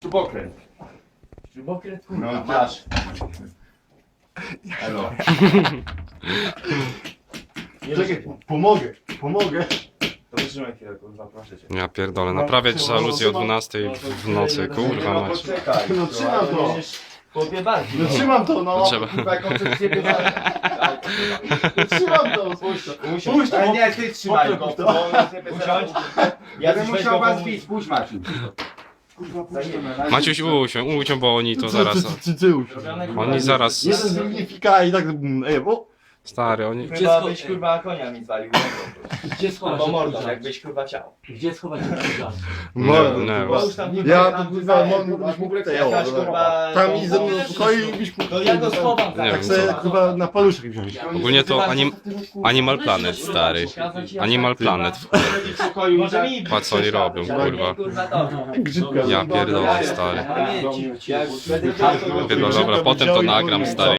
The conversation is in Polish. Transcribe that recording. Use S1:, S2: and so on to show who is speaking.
S1: Śrubokręt.
S2: Śrubokręt,
S1: No
S2: kurwa.
S1: masz. Elo.
S3: Czekaj, pomogę.
S2: To wytrzymaj chwilę, kurwa, proszę cię.
S4: Ja pierdolę, naprawiać żaluzję o 12 w nocy, kurwa
S1: No
S4: mać.
S1: poczekaj.
S3: No trzymam to.
S2: Chłopie bardziej.
S3: No trzymam to, no.
S4: Trzeba.
S1: Kurwa, jaką przez ciebie
S3: No trzymam to. Puść to. Puść to.
S1: Ale nie, ty trzymaj go.
S3: Usiądź.
S1: bo on sobie
S2: Usiądź.
S1: Ja bym
S2: Jacyś weź
S1: musiał
S2: go
S1: was
S2: pomóc.
S1: bić, puść Maciu.
S4: Maciuś, usiądź, bo oni to zaraz... Oni zaraz...
S3: Jeden z nich fika i tak... Ej, o.
S4: Stary, oni...
S2: Chyba byś kurwa konia mi zwalił.
S5: Gdzie schować
S2: Albo mordą,
S5: ten
S2: jakbyś kurwa chciał.
S5: Gdzie schować ten krzyżak?
S3: Mordo,
S4: nie,
S3: kurwa.
S2: Bo już tam
S3: Ja
S2: tam,
S3: to kurwa
S2: kurwa,
S3: mógł być
S2: jakaś, kurwa,
S3: tam i ze mną
S2: to-
S3: w pokoju i byś mógł...
S2: To ja go schowam.
S4: Nie
S3: Tak
S4: wiem,
S3: sobie
S4: co.
S3: kurwa na paluszek wziąć.
S4: Ogólnie to Animal Planet, stary. Animal Planet.
S2: Może mi
S4: Patrz co oni robią, kurwa.
S2: Kurwa to.
S3: Grzybka.
S4: Ja pierdolę, stary.
S2: Ale nie, ci-
S4: Dobra, potem to nagram, stary.